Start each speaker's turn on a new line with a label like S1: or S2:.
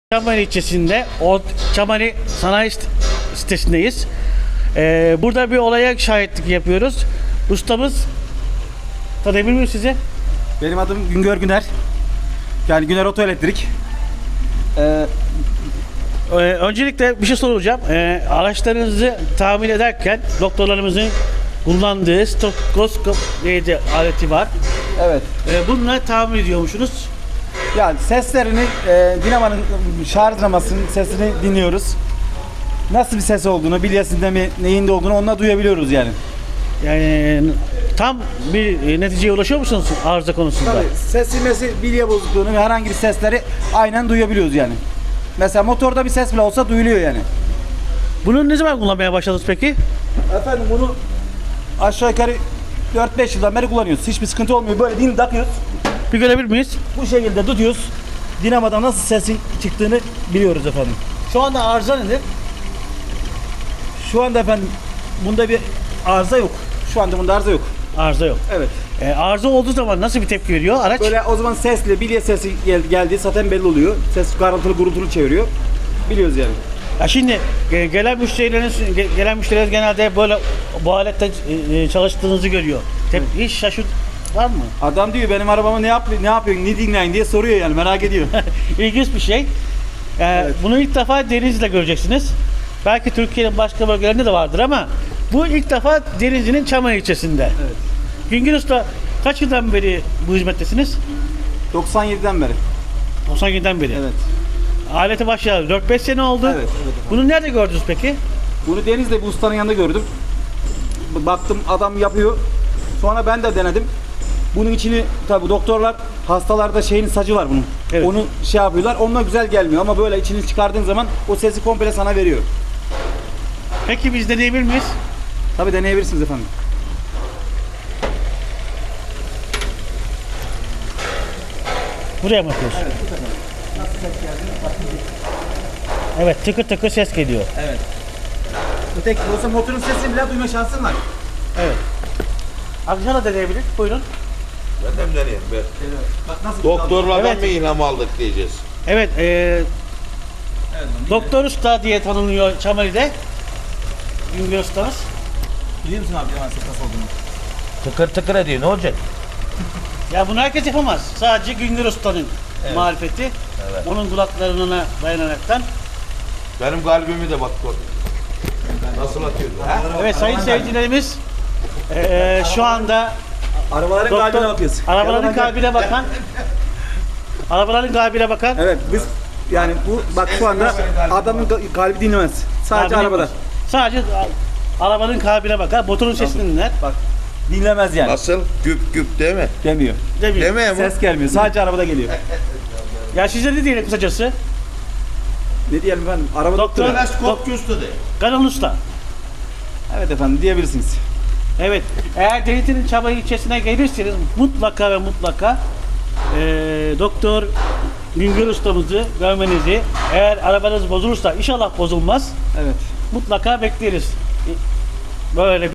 S1: Çamani ilçesinde Çamani Sanayi Sitesi'ndeyiz. Burada bir olaya şahitlik yapıyoruz. Ustamız, tanıyabilir miyim sizi?
S2: Benim adım Güngör Güner. Yani Güner Otoelektrik.
S1: Öncelikle bir şey soracağım. Araçlarınızı tamir ederken doktorlarımızın kullandığı steteskop aleti var.
S2: Evet.
S1: Bununla tamir ediyormuşsunuz.
S2: Yani seslerini, dinamanın şarj dinamasının sesini dinliyoruz. Nasıl bir ses olduğunu, bilyasında mi, neyinde olduğunu onunla duyabiliyoruz yani.
S1: Yani tam bir neticeye ulaşıyor musunuz arıza konusunda?
S2: Tabii ses silmesi, bilye bozukluğunu ve herhangi bir sesleri aynen duyabiliyoruz yani. Mesela motorda bir ses bile olsa duyuluyor yani.
S1: Bunu ne zaman kullanmaya başladınız peki?
S2: Efendim bunu aşağı yukarı 4-5 yıldan beri kullanıyoruz. Hiçbir sıkıntı olmuyor. Böyle din takıyoruz.
S1: Bir görebilir miyiz?
S2: Bu şekilde tutuyoruz. Dinamodan nasıl sesin çıktığını biliyoruz efendim.
S1: Şu anda arıza nedir?
S2: Şu anda efendim bunda bir arıza yok. Şu anda bunda arıza yok.
S1: Arıza yok.
S2: Evet.
S1: Arıza olduğu zaman nasıl bir tepki veriyor araç?
S2: Böyle o zaman sesli, bilye sesi geldiği zaten belli oluyor. Ses karıntılı gurultulu çeviriyor. Biliyoruz yani.
S1: Ya şimdi gelen müşteriler genelde böyle bu alette çalıştığınızı görüyor. Hiç şaşırt var mı?
S2: Adam diyor benim arabama ne yapıyorsun, ne dinleyin diye soruyor yani merak ediyor.
S1: İlginç bir şey. Bunu ilk defa Denizli'de göreceksiniz. Belki Türkiye'nin başka bölgelerinde de vardır ama bu ilk defa Denizli'nin Çamani ilçesinde.
S2: Evet.
S1: Güngör Usta kaç yıldan beri bu hizmettesiniz?
S2: 97'den beri.
S1: 97'den beri.
S2: Evet.
S1: Alete başladı. 4-5 sene oldu.
S2: Evet, evet efendim.
S1: Bunu nerede gördünüz peki?
S2: Bunu Deniz'de bir ustanın yanında gördüm. Baktım adam yapıyor. Sonra ben de denedim. Bunun içini tabi doktorlar hastalarda şeyin sacı var bunun.
S1: Evet.
S2: Onu şey yapıyorlar. Onunla güzel gelmiyor ama böyle içini çıkardığın zaman o sesi komple sana veriyor.
S1: Peki biz deneyebilir miyiz?
S2: Tabi deneyebilirsiniz efendim.
S1: Buraya mı yapıyoruz?
S2: Evet, bu kadar. Nasıl ses geldiğini bakın.
S1: Evet, tıkır tıkır ses geliyor.
S2: Evet. Öteki olsa motorun sesini bile duyma şansın var.
S1: Evet. Akşam da deneyebilir. Buyurun.
S3: Ben de mi deneyeyim? Ben.
S2: Bak nasıl
S3: Doktorlardan
S1: Evet.
S3: mı ilham aldık diyeceğiz.
S1: Evet,
S2: Evet,
S1: Doktor Usta diye tanınıyor Çamali'de. Güngör Ustamız.
S2: biliyor musun abi hemen ses nasıl olduğunu?
S3: Tıkır tıkır ediyor, ne olacak?
S1: Ya bunu herkes yapamaz. Sadece Güngör Usta'nın marifeti. Onun kulaklarına dayanaraktan.
S3: Benim kalbimi de bak gör. Nasıl atıyordu? Ha?
S1: Evet sayın seyircilerimiz şu anda
S2: Arabaların kalbine bakıyoruz.
S1: arabaların kalbine bakan
S2: Evet biz yani bu bak şu anda adamın kalbi dinlemez. Sadece
S1: kalbine
S2: arabada.
S1: bak. Sadece arabanın kalbine bakar, motorun sesini dinler.
S2: Bak dinlemez yani.
S3: Nasıl? Güp güp değil mi?
S2: Demiyor.
S1: Demiyor.
S3: Demeye mi?
S2: Ses gelmiyor. Sadece arabada geliyor.
S1: Ya size ne diyelim kısacası?
S2: Ne diyelim efendim? Araba
S1: Doktor-
S2: doktoru.
S3: Teleskopçu usta de.
S1: Kanal Usta.
S2: Evet efendim diyebilirsiniz.
S1: Evet, eğer Denizli'nin Çamani ilçesine gelirseniz mutlaka ve mutlaka Doktor Güngör Ustamızı görmenizi, eğer arabanız bozulursa, inşallah bozulmaz,
S2: Evet.
S1: mutlaka bekleriz. Böyle